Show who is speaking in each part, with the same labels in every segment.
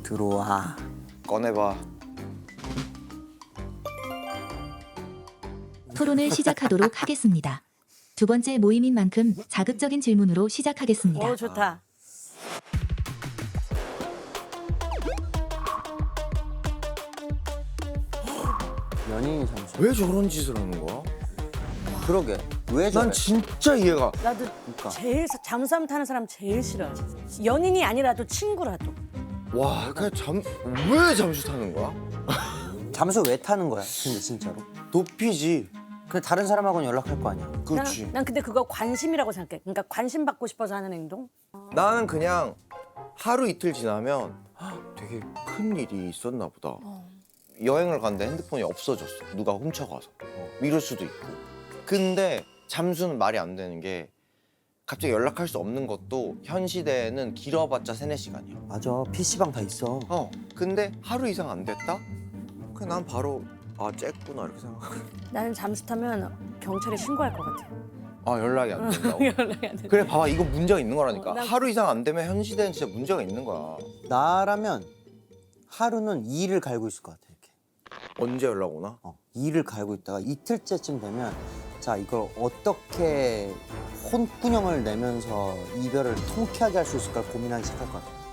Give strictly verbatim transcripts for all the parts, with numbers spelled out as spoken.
Speaker 1: 들어와.
Speaker 2: 꺼내봐.
Speaker 3: 토론을 시작하도록 하겠습니다. 두 번째 모임인 만큼 자극적인 질문으로 시작하겠습니다.
Speaker 4: 오 좋다.
Speaker 1: 연인이 잠수.
Speaker 2: 왜 저런 짓을 하는 거야?
Speaker 1: 그러게. 왜 저래?
Speaker 2: 난 진짜 이해가.
Speaker 4: 나도
Speaker 1: 그러니까.
Speaker 4: 제일 사- 잠수함 타는 사람 제일 싫어. 연인이 아니라도 친구라도.
Speaker 2: 와, 그냥 잠 왜 잠수 타는 거야?
Speaker 1: 잠수 왜 타는 거야? 근데 진짜로?
Speaker 2: 도피지.
Speaker 1: 근데 다른 사람하고는 연락할 거 아니야.
Speaker 2: 그렇지.
Speaker 4: 난, 난 근데 그거 관심이라고 생각해. 그러니까 관심 받고 싶어서 하는 행동.
Speaker 2: 나는 그냥 하루 이틀 지나면 헉, 되게 큰 일이 있었나 보다. 여행을 갔는데 핸드폰이 없어졌어. 누가 훔쳐가서. 어, 이럴 수도 있고. 근데 잠수는 말이 안 되는 게 갑자기 연락할 수 없는 것도 현 시대에는 길어봤자 세네 시간이야.
Speaker 1: 맞아. 피시방 다 있어.
Speaker 2: 어, 근데 하루 이상 안 됐다? 그냥 난 바로 아, 쬐구나 이렇게 생각해.
Speaker 4: 나는 잠수 타면 경찰에 신고할 것 같아.
Speaker 2: 아, 연락이 안 된다고?
Speaker 4: 연락이 안 돼.
Speaker 2: 그래, 봐봐. 이거 문제가 있는 거라니까.
Speaker 4: 어, 난-
Speaker 2: 하루 이상 안 되면 현 시대는 진짜 문제가 있는 거야.
Speaker 1: 나라면 하루는 이를 갈고 있을 것 같아. 이렇게.
Speaker 2: 언제 연락 오나?
Speaker 1: 어, 이를 갈고 있다가 이틀째쯤 되면 자 이걸 어떻게 혼꾸녕을 내면서 이별을 통쾌하게 할 수 있을까 고민하기 시작할 것 같아.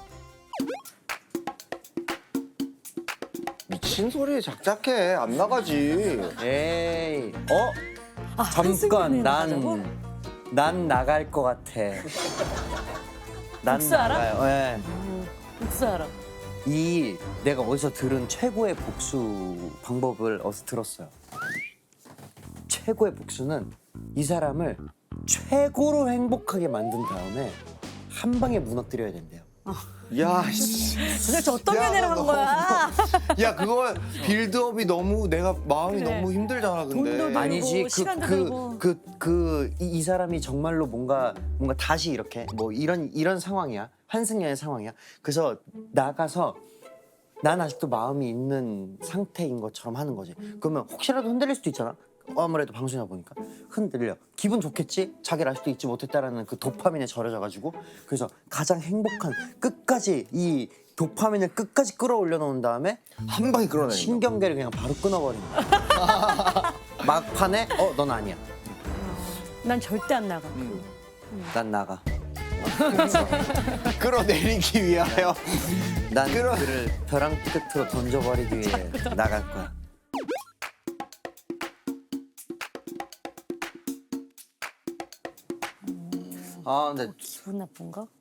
Speaker 2: 미친 소리에 작작해. 안 나가지.
Speaker 1: 에이, 어?
Speaker 4: 아,
Speaker 1: 잠깐
Speaker 4: 한승연이 나가자고?
Speaker 1: 난 난 나갈 것 같아. 난
Speaker 4: 복수 알아?
Speaker 1: 나가요. 예.
Speaker 4: 음, 복수 알아.
Speaker 1: 이 내가 어디서 들은 최고의 복수 방법을 어디서 들었어요. 최고의 복수는 이 사람을 최고로 행복하게 만든 다음에 한 방에 무너뜨려야 된대요.
Speaker 2: 야, 씨.
Speaker 4: 도대체 어떤
Speaker 2: 야,
Speaker 4: 연애를 한
Speaker 2: 너
Speaker 4: 거야?
Speaker 2: 야, 그거 빌드업이 너무 내가 마음이
Speaker 4: 그래.
Speaker 2: 너무 힘들잖아, 근데.
Speaker 4: 돈도 들고.
Speaker 1: 아니지
Speaker 4: 시간도
Speaker 1: 그
Speaker 4: 들고.
Speaker 1: 그 그 그 이 사람이 정말로 뭔가 뭔가 다시 이렇게 뭐 이런 이런 상황이야. 한승연의 상황이야. 그래서 나가서 난 아직도 마음이 있는 상태인 것처럼 하는 거지. 그러면 혹시라도 흔들릴 수도 있잖아. 아무래도 방송이나 보니까 흔들려. 기분 좋겠지? 자기를 아직도 잊지 못했다라는 그 도파민에 절여져가지고 그래서 가장 행복한 끝까지 이 도파민을 끝까지 끌어올려 놓은 다음에
Speaker 2: 한 방에 끌어내는 거.
Speaker 1: 신경계를 그냥 바로 끊어버리는 거야. 막판에 어 넌 아니야.
Speaker 4: 난 절대 안 나가.
Speaker 1: 난 나가.
Speaker 2: 끌어내리기 위하여.
Speaker 1: 난
Speaker 2: 끌어-
Speaker 1: 그를 벼랑 끝으로 던져버리기 위해 나갈 거야. 아 근데
Speaker 4: 기분 나쁜 거?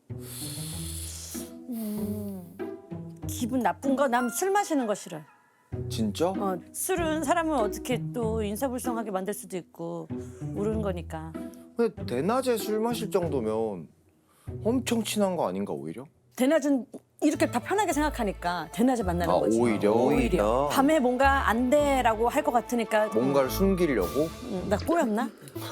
Speaker 4: 음, 기분 나쁜 거? 난 술 마시는 거 싫어.
Speaker 2: 진짜?
Speaker 4: 어, 술은 사람을 어떻게 또 인사불성하게 만들 수도 있고 모르는 거니까.
Speaker 2: 근데 대낮에 술 마실 정도면 엄청 친한 거 아닌가, 오히려?
Speaker 4: 대낮은 이렇게 다 편하게 생각하니까 대낮에 만나는
Speaker 2: 아,
Speaker 4: 거지.
Speaker 2: 오히려?
Speaker 1: 오히려.
Speaker 4: 밤에 뭔가 안 돼라고 할 것 같으니까
Speaker 2: 뭔가를 숨기려고?
Speaker 4: 음, 나 꼬였나?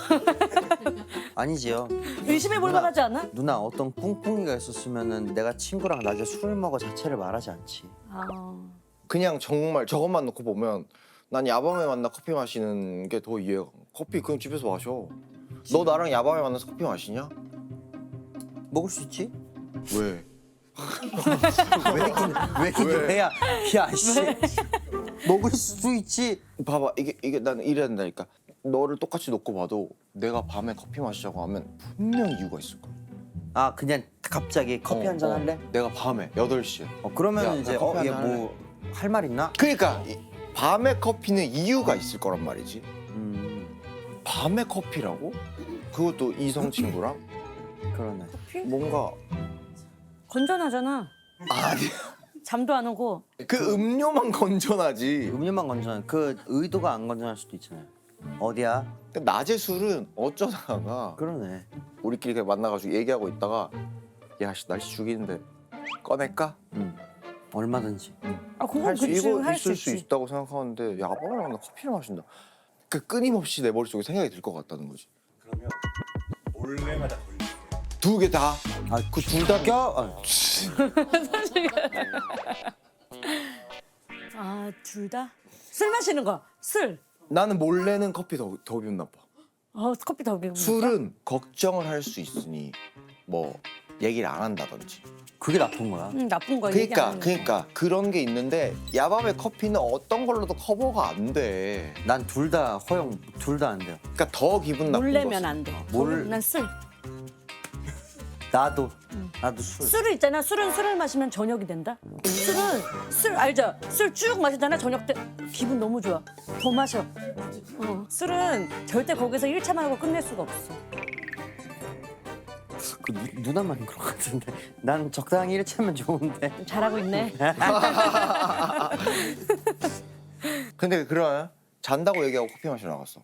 Speaker 1: 아니지요.
Speaker 4: 의심해 볼
Speaker 1: 누나.
Speaker 4: 만하지 않아?
Speaker 1: 누나 어떤 꿍꿍이가 있었으면은 내가 친구랑 낮에 술을 먹어 자체를 말하지 않지.
Speaker 4: 아,
Speaker 2: 그냥 정말 저것만 놓고 보면 난 야밤에 만나 커피 마시는 게 더 이해가. 커피 그냥 집에서 마셔. 너 나랑 야밤에 만나서 커피 마시냐?
Speaker 1: 먹을 수 있지?
Speaker 2: 왜?
Speaker 1: 왜 이긴 왜 이긴
Speaker 2: 왜?
Speaker 1: 왜야? 야 씨. 먹을 수 있지.
Speaker 2: 봐봐, 이게 이게 나는 이래야 된다니까. 너를 똑같이 놓고 봐도 내가 밤에 커피 마시자고 하면 분명 이유가 있을 거야.
Speaker 1: 아 그냥 갑자기 커피
Speaker 2: 어,
Speaker 1: 한 잔
Speaker 2: 어.
Speaker 1: 할래?
Speaker 2: 내가 밤에 여덟 시에.
Speaker 1: 어 그러면
Speaker 2: 야,
Speaker 1: 이제
Speaker 2: 나 커피
Speaker 1: 어
Speaker 2: 한
Speaker 1: 얘
Speaker 2: 잔
Speaker 1: 뭐 할 말 있나?
Speaker 2: 그러니까 이- 밤에 커피는 이유가 있을 거란 말이지.
Speaker 1: 음
Speaker 2: 밤에 커피라고? 그것도 이성 친구랑?
Speaker 1: 그러네.
Speaker 2: 뭔가
Speaker 4: 건전하잖아.
Speaker 2: 아니
Speaker 4: 잠도 안 오고.
Speaker 2: 그 음료만 건전하지.
Speaker 1: 음료만 건전한 그 의도가 안 건전할 수도 있잖아요. 어디야?
Speaker 2: 근데 낮에 술은 어쩌다가
Speaker 1: 그러네.
Speaker 2: 우리끼리 그냥 만나가지고 얘기하고 있다가 야씨 날씨 죽이는데 꺼낼까?
Speaker 1: 음 얼마든지.
Speaker 4: 아, 그건
Speaker 2: 할 수
Speaker 4: 그치,
Speaker 2: 이거
Speaker 4: 할 수
Speaker 2: 있을 수
Speaker 4: 있지.
Speaker 2: 있다고 생각하는데 야밤에 만나 커피를 마신다. 그 끊임없이 내 머릿속에 생각이 들 것 같다는 거지.
Speaker 5: 그러면 몰래마다 돌릴게요.
Speaker 2: 두 개 다.
Speaker 1: 아그 둘 다 껴? 아,
Speaker 4: 아, 둘 다? 술 마시는 거, 술.
Speaker 2: 나는 몰래는 커피 더, 더 기분 나빠.
Speaker 4: 어, 커피 더 비우는
Speaker 2: 술은 걱정을 할 수 있으니 뭐 얘기를 안 한다든지
Speaker 1: 그게 나쁜 거야.
Speaker 4: 음, 나쁜 거
Speaker 2: 그러니까
Speaker 4: 얘기하는 거.
Speaker 2: 그러니까 그런 게 있는데 야밤의 커피는 어떤 걸로도 커버가 안 돼.
Speaker 1: 난 둘 다 허용, 둘 다 안 돼요.
Speaker 2: 그러니까 더 기분 나쁜
Speaker 4: 몰래면
Speaker 2: 거지.
Speaker 4: 안 돼.
Speaker 1: 뭘-
Speaker 4: 난 술.
Speaker 1: 나도, 나도 술.
Speaker 4: 술을 있잖아. 술은 술을 마시면 저녁이 된다. 술은 술 알죠? 술 쭉 마시잖아. 저녁 때 기분 너무 좋아. 더 마셔. 어, 술은 절대 거기서 일 차만 하고 끝낼 수가 없어.
Speaker 1: 그 누, 누나만 그런 것 같은데. 난 적당히 일 차면 좋은데.
Speaker 4: 잘하고 있네.
Speaker 2: 근데 그러면 잔다고 얘기하고 커피 마시러 나갔어.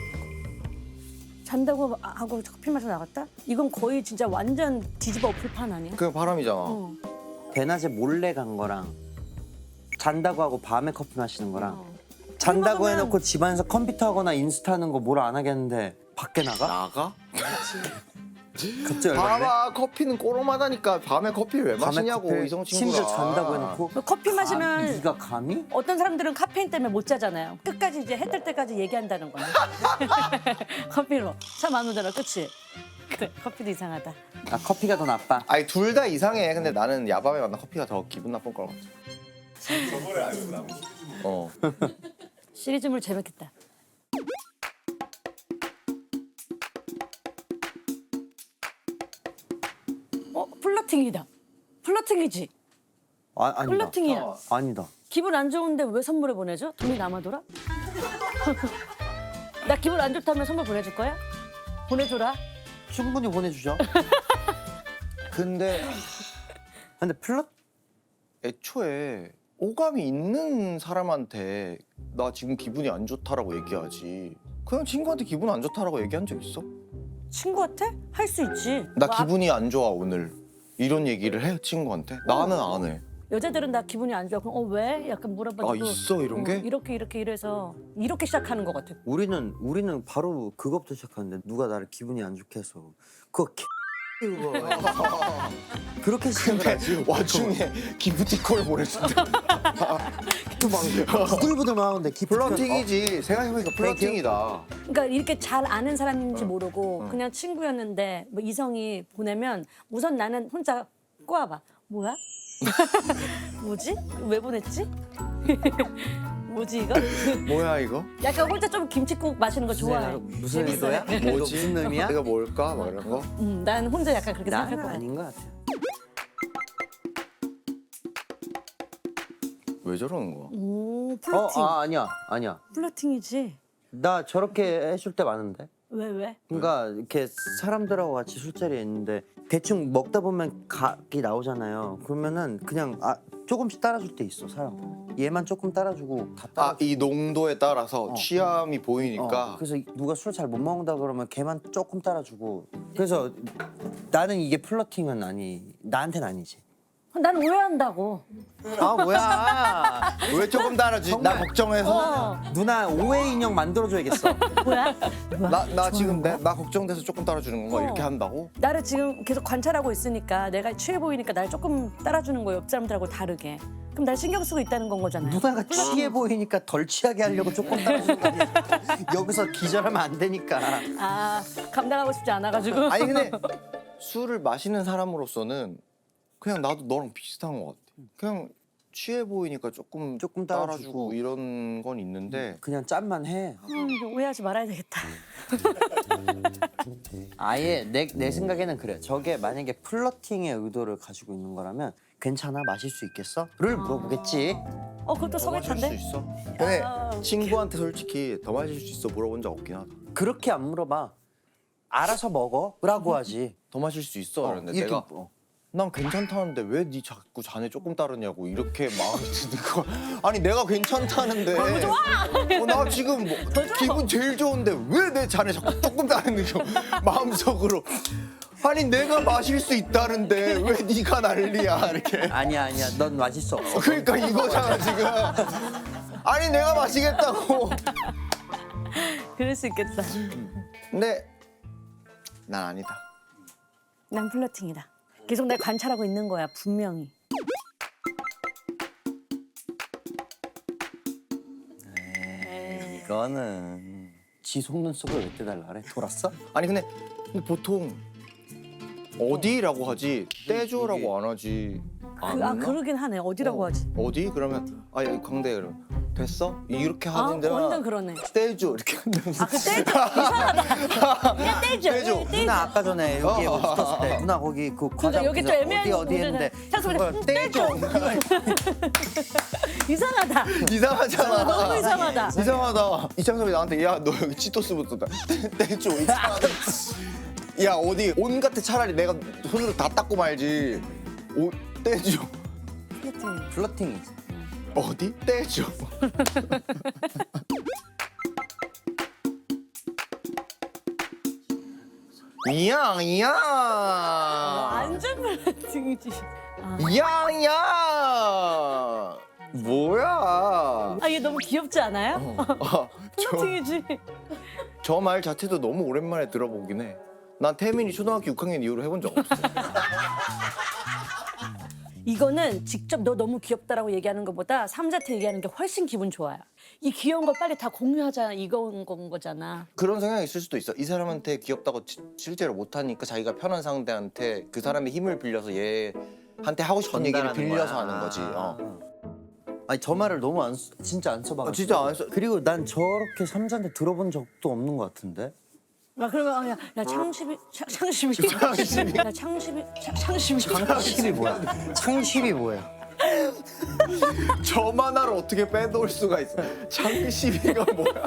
Speaker 4: 잔다고 하고 커피 마셔 나갔다? 이건 거의 진짜 완전 뒤집어 엎을 판 아니야?
Speaker 2: 그게 바람이잖아.
Speaker 4: 어.
Speaker 1: 대낮에 몰래 간 거랑 잔다고 하고 밤에 커피 마시는 거랑
Speaker 4: 어.
Speaker 1: 잔다고
Speaker 4: 먹으면-
Speaker 1: 해놓고 집안에서 컴퓨터 하거나 인스타 하는 거 뭘 안 하겠는데 밖에 나가?
Speaker 2: 나가?
Speaker 1: 갑자기 열받네.
Speaker 2: 봐봐 커피는 꼬로마다니까 밤에 커피를 왜
Speaker 1: 밤에
Speaker 2: 마시냐고
Speaker 1: 커피를
Speaker 2: 이성 친구가.
Speaker 1: 심지어 잔다고 해놓고
Speaker 4: 커피 마시면
Speaker 1: 감히, 네가 감히?
Speaker 4: 어떤 사람들은 카페인 때문에 못 자잖아요. 끝까지 이제 해 뜰 때까지 얘기한다는 거네. 커피로. 참 안 오잖아, 그치? 그래, 커피도 이상하다.
Speaker 1: 아 커피가 더 나빠.
Speaker 2: 아니 둘 다 이상해. 근데 나는 야밤에 만난 커피가 더 기분 나쁜 것 같아.
Speaker 5: 저거를 알고 나면
Speaker 2: 어.
Speaker 4: 시리즈물 재밌겠다. 어, 플러팅이다. 플러팅이지?
Speaker 1: 아, 아니다.
Speaker 4: 플러팅이야.
Speaker 1: 아니다.
Speaker 4: 기분 안 좋은데 왜 선물을 보내줘? 돈이 남아돌아? 나 기분 안 좋다면 선물 보내줄 거야? 보내줘라.
Speaker 1: 충분히 보내주죠.
Speaker 2: 근데
Speaker 1: 근데 플러
Speaker 2: 애초에 오감이 있는 사람한테 나 지금 기분이 안 좋다라고 얘기하지. 그냥 친구한테 기분 안 좋다라고 얘기한 적 있어?
Speaker 4: 친구한테? 할 수 있지.
Speaker 2: 나
Speaker 4: 뭐,
Speaker 2: 기분이 안 좋아 오늘. 이런 얘기를 해 친구한테? 나는 안 해.
Speaker 4: 여자들은 나 기분이 안 좋아. 그럼 어 왜? 약간 물어봐도
Speaker 2: 아 있어 이런 게?
Speaker 4: 이렇게 이렇게 이래서 이렇게 시작하는 것 같아.
Speaker 1: 우리는 우리는 바로 그것부터 시작하는데 누가 나를 기분이 안 좋게 해서 그거 개 그거 그렇게 시작을 하지.
Speaker 2: 와중에 기프티콘을 보내준다.
Speaker 1: 부들부들 마는데
Speaker 2: 플러팅이지. 생각해보니까 플러팅이다.
Speaker 4: 그러니까 이렇게 잘 아는 사람인지 모르고
Speaker 2: 어.
Speaker 4: 그냥 친구였는데 뭐 이성이 보내면 우선 나는 혼자 꼬아봐. 뭐야? 뭐지? 왜 보냈지? 뭐지 이거?
Speaker 2: 뭐야 이거?
Speaker 4: 약간 혼자 좀 김치국 마시는 거 좋아해.
Speaker 1: 무슨
Speaker 4: 재밌어요.
Speaker 1: 의도야? 이거 무슨 의미야?
Speaker 2: 이거 뭘까? 막 이런 거?
Speaker 4: 음, 난 혼자 약간 그렇게
Speaker 1: 나는
Speaker 4: 생각할 것 같아.
Speaker 1: 아닌 것 같아.
Speaker 2: 왜 저러는 거야?
Speaker 4: 오,
Speaker 1: 어,
Speaker 4: 플러팅.
Speaker 1: 아 아니야, 아니야.
Speaker 4: 플러팅이지.
Speaker 1: 나 저렇게 해줄 때 많은데.
Speaker 4: 왜 왜?
Speaker 1: 그러니까 이렇게 사람들하고 같이 술자리에 있는데 대충 먹다 보면 각이 나오잖아요. 그러면은 그냥 아 조금씩 따라줄 때 있어 사람. 얘만 조금 따라주고 다 따라.
Speaker 2: 아 이 농도에 따라서
Speaker 1: 어.
Speaker 2: 취함이
Speaker 1: 어,
Speaker 2: 보이니까
Speaker 1: 그래서 누가 술 잘 못 먹는다 그러면 걔만 조금 따라주고. 그래서 나는 이게 플러팅은 아니, 나한테는 아니지.
Speaker 4: 난 오해한다고.
Speaker 1: 아 뭐야?
Speaker 2: 왜 조금 따라주지? 나 걱정해서
Speaker 4: 어,
Speaker 1: 누나 오해 인형 만들어줘야겠어.
Speaker 4: 뭐야?
Speaker 2: 나, 나 지금 내, 나 걱정돼서 조금 따라주는 건가?
Speaker 4: 어.
Speaker 2: 이렇게 한다고?
Speaker 4: 나를 지금 계속 관찰하고 있으니까 내가 취해 보이니까 날 조금 따라주는 거예요. 옆 사람들하고 다르게. 그럼 날 신경 쓰고 있다는 건 거잖아요.
Speaker 1: 누나가 취해 보이니까 덜 취하게 하려고 조금 따라주는 거 아니야? 여기서 기절하면 안 되니까.
Speaker 4: 아, 감당하고 싶지 않아가지고.
Speaker 2: 아니 근데 술을 마시는 사람으로서는 그냥 나도 너랑 비슷한 것 같아. 그냥 취해 보이니까 조금
Speaker 1: 조금
Speaker 2: 따라주고,
Speaker 1: 따라주고.
Speaker 2: 이런 건 있는데
Speaker 1: 그냥 짠만 해.
Speaker 4: 음, 이거 오해하지 말아야 되겠다.
Speaker 1: 아예 내, 내 생각에는 그래. 저게 만약에 플러팅의 의도를 가지고 있는 거라면 괜찮아? 마실 수 있겠어? 를 물어보겠지.
Speaker 4: 어, 그것도
Speaker 2: 더 마실 수
Speaker 4: 성했던데?
Speaker 2: 있어? 근데
Speaker 4: 아, 웃겨.
Speaker 2: 친구한테 솔직히 더 마실 수 있어 물어본 적 없긴 하다.
Speaker 1: 그렇게 안 물어봐. 알아서 먹어? 라고 하지.
Speaker 2: 더 마실 수 있어?
Speaker 1: 어,
Speaker 2: 그랬는데
Speaker 1: 이렇게,
Speaker 2: 내가
Speaker 1: 어.
Speaker 2: 난 괜찮다는데 왜 네 자꾸 잔에 조금 따르냐고 이렇게 마음이 드는 거. 아니 내가 괜찮다는데. 너무 좋아. 어, 나 지금 뭐 기분 제일 좋은데 왜 내 잔에 자꾸 조금 따르는 거 마음속으로. 아니 내가 마실 수 있다는데 왜 네가 난리야 이렇게.
Speaker 1: 아니야 아니야. 넌 마실 수 없어.
Speaker 2: 그러니까 이거잖아 지금. 아니 내가 마시겠다고.
Speaker 4: 그럴 수 있겠다.
Speaker 2: 근데 난 아니다.
Speaker 4: 난 플러팅이다. 계속 날 관찰하고 있는 거야, 분명히.
Speaker 1: 이거는 지 속눈썹을 왜 떼달라 그래? 돌았어?
Speaker 2: 아니 근데, 근데 보통 어디라고 하지 떼줘라고 안 하지.
Speaker 4: 그, 아 그러긴 하네. 어디라고
Speaker 2: 어,
Speaker 4: 하지?
Speaker 2: 어디? 그러면 아 여기 광대 그러면 됐어? 이렇게
Speaker 4: 아
Speaker 2: 하는데
Speaker 4: 완전 그러네.
Speaker 2: 떼줘 이렇게 한다면
Speaker 4: 아 그 떼줘 이상하다. 야 떼줘.
Speaker 2: 떼줘.
Speaker 4: 예, 떼줘.
Speaker 1: 누나 아까 전에 여기
Speaker 2: 어.
Speaker 1: 붙었을 때 누나 거기 그 과자
Speaker 4: 여기 또
Speaker 1: 어디
Speaker 4: 애매한
Speaker 1: 어디
Speaker 4: 문제네.
Speaker 1: 했는데
Speaker 4: 잠깐만,
Speaker 1: 그걸 떼줘.
Speaker 4: 이상하다.
Speaker 2: 이상하잖아.
Speaker 4: 너무 이상하다.
Speaker 2: 이상하다. 이창섭이 나한테 야 너 여기 치토스 붙었다. 떼- 떼줘. 이상하다. 야 어디 온 같아 차라리 내가 손으로 다 닦고 말지. 오 떼줘.
Speaker 4: 플러팅.
Speaker 1: 플러팅이지.
Speaker 2: 어디? 떼줘. 이양 이양
Speaker 4: 완전 플러팅이지.
Speaker 2: 이양 이양 뭐야?
Speaker 4: 아 얘 너무 귀엽지 않아요?
Speaker 2: 아,
Speaker 4: 플러팅이지.
Speaker 2: 저 말 자체도 너무 오랜만에 들어보긴 해. 난 태민이 초등학교 육 학년 이후로 해본 적 없어.
Speaker 4: 이거는 직접 너 너무 귀엽다라고 얘기하는 것보다 삼자한테 얘기하는 게 훨씬 기분 좋아요. 이 귀여운 걸 빨리 다 공유하자 이건 건 거잖아.
Speaker 2: 그런 성향이 있을 수도 있어. 이 사람한테 귀엽다고 지- 실제로 못하니까 자기가 편한 상대한테 그 사람의 힘을 빌려서 얘한테 하고 싶은 얘기를
Speaker 1: 전달하는
Speaker 2: 빌려서
Speaker 1: 거야.
Speaker 2: 하는 거지. 어.
Speaker 1: 아니 저 말을 너무 안 써- 진짜 안 써봐.
Speaker 2: 아, 진짜 안 써.
Speaker 1: 그리고 난 저렇게 삼자한테 들어본 적도 없는 것 같은데.
Speaker 4: 아 그러면 아, 야, 야 창십이 창- 창십이 창십이 야 창십이 창- 창십이
Speaker 1: 창십이 뭐야? 창십이 뭐야?
Speaker 2: 저만 하를 어떻게 빼놓을 수가 있어? 창시비가 뭐야?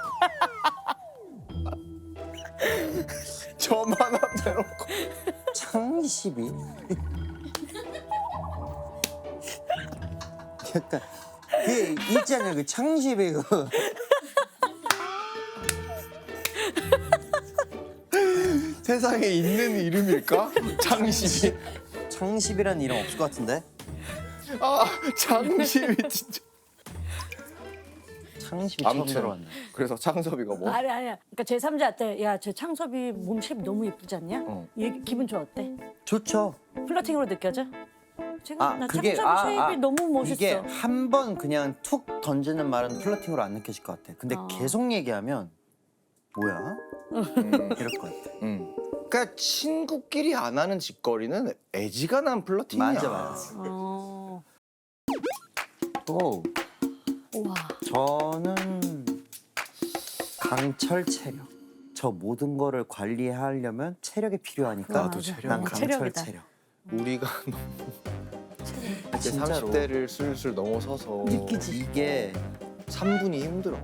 Speaker 2: 저만 하 빼놓고
Speaker 1: 창십이? 약간 그 있잖아요 그 창십이 그
Speaker 2: 세상에 있는 이름일까? 창시비.
Speaker 1: 창십이라는 이름 없을 것 같은데.
Speaker 2: 아 창시비 진짜.
Speaker 1: 창십이 처음
Speaker 2: 아무튼
Speaker 1: 들어왔네.
Speaker 2: 그래서 창섭이가 뭐?
Speaker 4: 아니 아니야. 그러니까 제 삼자한테 야 제 창섭이 몸 쉐입 너무 예쁘지 않냐?
Speaker 2: 어.
Speaker 4: 얘 기분 좋아 어때?
Speaker 1: 좋죠.
Speaker 4: 플러팅으로 느껴져? 지금
Speaker 1: 아
Speaker 4: 나
Speaker 1: 그게
Speaker 4: 창섭이
Speaker 1: 아,
Speaker 4: 쉐입이
Speaker 1: 아,
Speaker 4: 너무 멋있어.
Speaker 1: 이게 한 번 그냥 툭 던지는 말은 플러팅으로 안 느껴질 것 같아. 근데
Speaker 4: 어.
Speaker 1: 계속 얘기하면 뭐야?
Speaker 2: 음,
Speaker 1: 이럴 것 같아.
Speaker 2: 음. 그러니까 친구끼리 안 하는 짓거리는 애지간한 플러팅이야.
Speaker 1: 맞아 맞아.
Speaker 4: 어.
Speaker 1: 또
Speaker 4: 우와.
Speaker 1: 저는 강철 체력. 저 모든 거를 관리하려면 체력이 필요하니까
Speaker 2: 나도
Speaker 4: 맞아.
Speaker 2: 체력.
Speaker 1: 난
Speaker 4: 어,
Speaker 1: 강철
Speaker 4: 체력이다.
Speaker 1: 체력.
Speaker 2: 우리가 이제
Speaker 1: 진짜로.
Speaker 2: 삼십 대를 슬슬 넘어서서
Speaker 4: 느끼지.
Speaker 1: 이게
Speaker 2: 삼 분이 힘들어.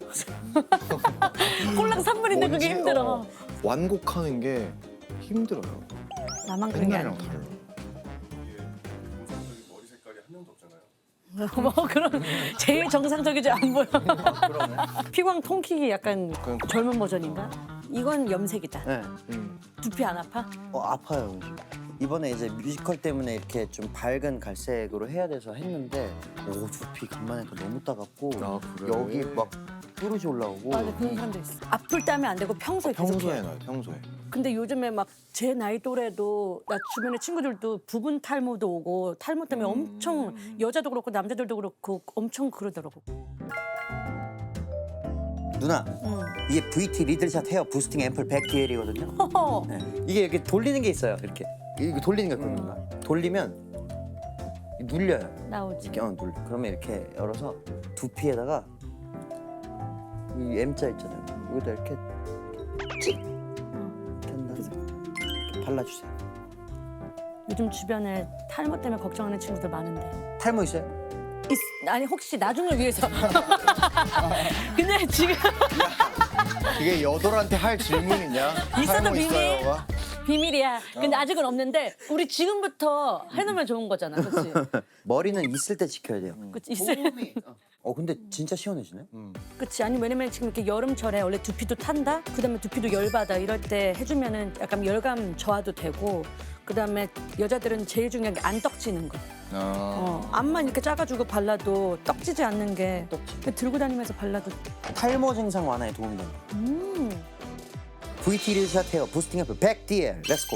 Speaker 4: 꼴랑 삼 분인데 그게
Speaker 2: 뭔지,
Speaker 4: 힘들어.
Speaker 2: 어, 완곡하는 게 힘들어요.
Speaker 4: 나만 그런 게
Speaker 2: 옛날이랑
Speaker 4: 아니야.
Speaker 2: 달라.
Speaker 5: 정상적인 머리 색깔이 한 명도 없잖아요.
Speaker 4: 뭐 그런 제일 정상적이지 안 보여. 피광 통킥이 약간
Speaker 2: 그러니까.
Speaker 4: 젊은 버전인가? 이건 염색이다.
Speaker 1: 네.
Speaker 2: 음.
Speaker 4: 두피 안 아파?
Speaker 1: 어 아파요. 이번에 이제 뮤지컬 때문에 이렇게 좀 밝은 갈색으로 해야 돼서 했는데 오 두피 간만에 또 너무 따갑고
Speaker 2: 아, 그래?
Speaker 1: 여기 막 뾰루지 올라오고
Speaker 4: 맞아 그런 사람도 있어. 아플 때 하면 안 되고 평소에 계속
Speaker 2: 평소에
Speaker 4: 해요.
Speaker 2: 나요. 평소에.
Speaker 4: 근데 요즘에 막 제 나이 또래도 나 주변에 친구들도 부분 탈모도 오고 탈모 때문에
Speaker 2: 음.
Speaker 4: 엄청 여자도 그렇고 남자들도 그렇고 엄청 그러더라고.
Speaker 1: 누나
Speaker 4: 응.
Speaker 1: 이게 브이티 리들샷 헤어 부스팅 앰플 백 디엘이거든요.
Speaker 4: 허허.
Speaker 1: 네. 이게 이렇게 돌리는 게 있어요. 이렇게 이렇게 돌리는 게 그런가? 돌리면 눌려요.
Speaker 4: 나오지.
Speaker 1: 이렇게 어, 눌. 그러면 이렇게 열어서 두피에다가 이 M자 있잖아요. 여기다 이렇게 찍. 이렇게 한 다음에 이렇게 발라주세요.
Speaker 4: 요즘 주변에 탈모 때문에 걱정하는 친구들 많은데.
Speaker 1: 탈모 있어요?
Speaker 4: 있, 아니 혹시 나중을 위해서. 근데 지금
Speaker 2: 이게 여돌한테 할 질문이냐?
Speaker 4: 있어도
Speaker 2: 탈모
Speaker 4: 비밀.
Speaker 2: 있어요가?
Speaker 4: 비밀이야. 근데 아직은 없는데 우리 지금부터 해놓으면 좋은 거잖아, 그렇지?
Speaker 1: 머리는 있을 때 지켜야 돼요.
Speaker 4: 그치 있을.
Speaker 1: 어 근데 진짜 시원해지네.
Speaker 2: 음.
Speaker 4: 그치 아니 왜냐면 지금 이렇게 여름철에 원래 두피도 탄다. 그다음에 두피도 열받아. 이럴 때 해주면은 약간 열감 저하도 되고. 그다음에 여자들은 제일 중요한 게 안 떡지는 거.
Speaker 2: 아.
Speaker 4: 어, 앞만 이렇게 작아주고 발라도 떡지지 않는 게 들고 다니면서 발라도.
Speaker 1: 탈모 증상 완화에 도움이 된다.
Speaker 4: 음.
Speaker 1: 브이티 리들샷 헤어 부스팅 앰플 백 디엘. 렛츠고.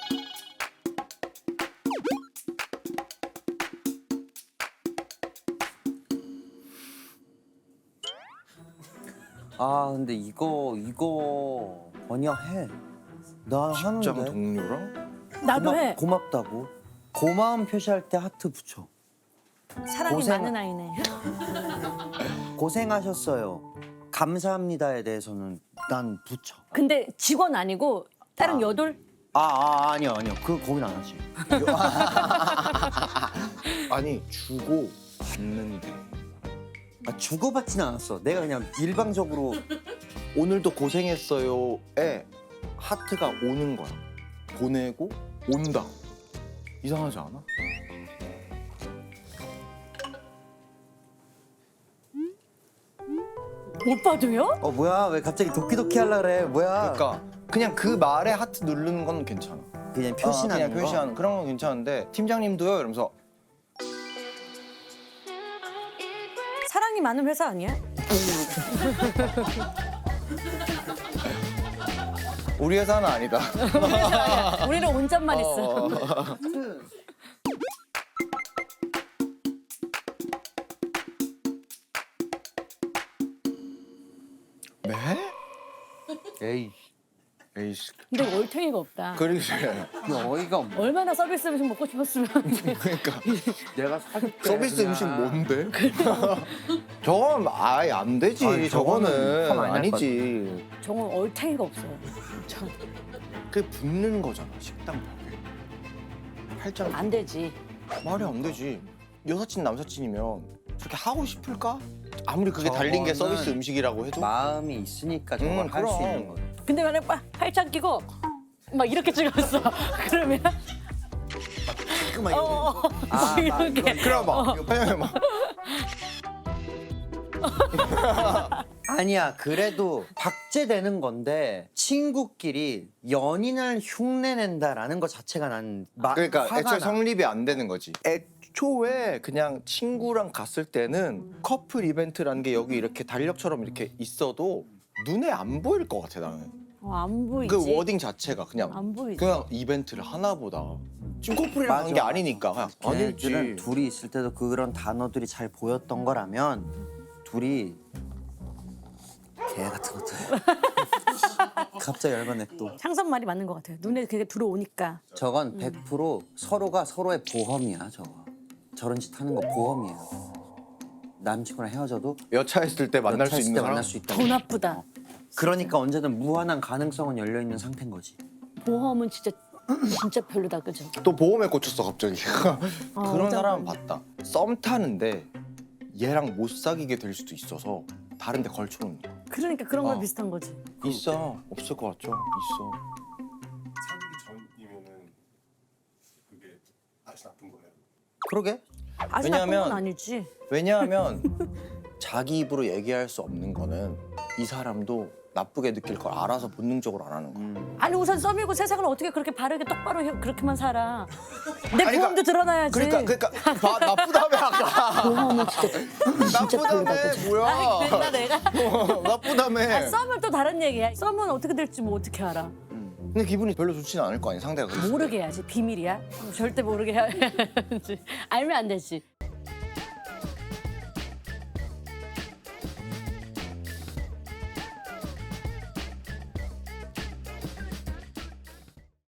Speaker 1: 아 근데 이거 이거 뭐냐 해. 나
Speaker 2: 직장
Speaker 1: 하는데.
Speaker 2: 동료랑?
Speaker 4: 나도 해.
Speaker 1: 고맙다고. 고마움 표시할 때 하트 붙여.
Speaker 4: 사랑이
Speaker 1: 고생-
Speaker 4: 많은 아이네.
Speaker 1: 고생하셨어요. 감사합니다에 대해서는 난 붙여.
Speaker 4: 근데 직원 아니고 다른
Speaker 1: 아.
Speaker 4: 여돌?
Speaker 1: 아, 아 아니요 아니요. 그 고민 안 하지.
Speaker 2: 아니 주고 받는데
Speaker 1: 아, 주고받지는 않았어. 내가 그냥 일방적으로
Speaker 2: 오늘도 고생했어요에 하트가 오는 거야. 보내고 온다. 이상하지 않아?
Speaker 4: 오빠도요?
Speaker 1: 어 뭐야 왜 갑자기 도끼도끼 하려 그래 뭐야.
Speaker 2: 그러니까 그냥 그 말에 하트 누르는 건 괜찮아.
Speaker 1: 그냥
Speaker 2: 어,
Speaker 1: 표시나는
Speaker 2: 그냥
Speaker 1: 거.
Speaker 2: 표시하는 그런 건 괜찮은데 팀장님도요 이러면서
Speaker 4: 사랑이 많은 회사 아니야?
Speaker 2: 우리 회사는 아니다.
Speaker 4: 우리 회사 아니야. 우리는 온전만 있어.
Speaker 2: 어. 네?
Speaker 1: 에이
Speaker 2: 에이씨.
Speaker 4: 근데 월탱이가 없다.
Speaker 2: 그러게.
Speaker 1: 어이가 없네.
Speaker 4: 얼마나 서비스 음식 먹고 싶었으면.
Speaker 2: 그러니까
Speaker 1: 내가 사줄게.
Speaker 2: 서비스
Speaker 1: 그냥.
Speaker 2: 음식 뭔데? 저건 아예 안 되지.
Speaker 1: 아니, 저거는
Speaker 2: 저거는
Speaker 1: 참 아니랄
Speaker 2: 아니지.
Speaker 4: 정말 얼탱이가 없어요. 저-
Speaker 2: 그게 붙는 거잖아 식당 벽에. 팔짱
Speaker 4: 안 되지.
Speaker 2: 말이 안 되지. 여사친 남사친이면 저렇게 하고 싶을까? 아무리 그게 달린 게
Speaker 1: 저거는
Speaker 2: 서비스 음식이라고 해도
Speaker 1: 마음이 있으니까 저걸
Speaker 2: 음,
Speaker 1: 할 수
Speaker 2: 그럼.
Speaker 1: 있는 거야.
Speaker 4: 근데 만약 빠- 팔짱 끼고 막 이렇게 찍었어. 그러면
Speaker 1: 잠깐만
Speaker 4: 어, 어, 어.
Speaker 1: 아,
Speaker 4: 막 이렇게.
Speaker 2: 그래 봐. 이거 막
Speaker 1: 아니야 그래도 박제되는 건데 친구끼리 연인을 흉내낸다라는 것 자체가 난 마,
Speaker 2: 그러니까
Speaker 1: 화가
Speaker 2: 애초에
Speaker 1: 나.
Speaker 2: 성립이 안 되는 거지. 애초에 그냥 친구랑 갔을 때는 커플 이벤트라는 게 여기 이렇게 달력처럼 이렇게 있어도 눈에 안 보일 것 같아 나는.
Speaker 4: 어, 안 보이지.
Speaker 2: 그 워딩 자체가 그냥
Speaker 4: 안 보이지.
Speaker 2: 그냥 이벤트를 하나 보다. 지금 커플이랑 간 게
Speaker 1: 맞아.
Speaker 2: 아니니까 그냥
Speaker 1: 걔네들은
Speaker 2: 아닐지.
Speaker 1: 둘이 있을 때도 그런 단어들이 잘 보였던 거라면 둘이 개 같은 것들. 갑자기 열받네 또.
Speaker 4: 상선 말이 맞는 것 같아요. 눈에 그게 들어오니까.
Speaker 1: 저건 백 퍼센트 서로가 서로의 보험이야 저거. 저런 짓 하는 거 보험이에요. 남친구랑 헤어져도
Speaker 2: 여차했을 때 만날 수
Speaker 1: 여차했을
Speaker 2: 있는
Speaker 1: 때
Speaker 2: 사람.
Speaker 1: 만날 수 있다.
Speaker 4: 더 나쁘다.
Speaker 1: 그러니까 언제든 무한한 가능성은 열려 있는 상태인 거지.
Speaker 4: 보험은 진짜 진짜 별로다, 그죠?
Speaker 2: 또 보험에 꽂혔어 갑자기.
Speaker 4: 어,
Speaker 2: 그런
Speaker 4: 어쩌면.
Speaker 2: 사람은 봤다. 썸 타는데 얘랑 못 사귀게 될 수도 있어서 다른데 걸쳐놓는 거.
Speaker 4: 그러니까 그런 거
Speaker 2: 어.
Speaker 4: 비슷한 거지.
Speaker 2: 있어. 없을 것 같죠? 있어.
Speaker 5: 사귀기 전이면은 그게 아주 나쁜 거예요.
Speaker 1: 그러게.
Speaker 4: 아주 나쁜
Speaker 2: 왜냐하면-
Speaker 4: 건 아니지.
Speaker 2: 왜냐하면 자기 입으로 얘기할 수 없는 거는 이 사람도 나쁘게 느낄 걸 알아서 본능적으로 안 하는 거야.
Speaker 1: 음.
Speaker 4: 아니 우선 썸이고 세상을 어떻게 그렇게 바르게 똑바로 해, 그렇게만 살아. 내
Speaker 2: 아니,
Speaker 4: 보험도 드러나야지.
Speaker 2: 그러니까 그러니까 봐, 나쁘다며 아까.
Speaker 4: 보험은 진짜 진짜 별로다,
Speaker 2: 나쁘다며
Speaker 4: 그죠? 아니, 그랬나
Speaker 2: 뭐야?
Speaker 4: 내가?
Speaker 2: 어, 나쁘다며.
Speaker 4: 아, 썸은 또 다른 얘기야. 썸은 어떻게 될지 뭐 어떻게 알아.
Speaker 2: 근데 기분이 별로 좋지는 않을 거 아니야 상대가. 그랬을 때.
Speaker 4: 모르게 해야지. 비밀이야. 절대 모르게 해야지. 알면 안 되지.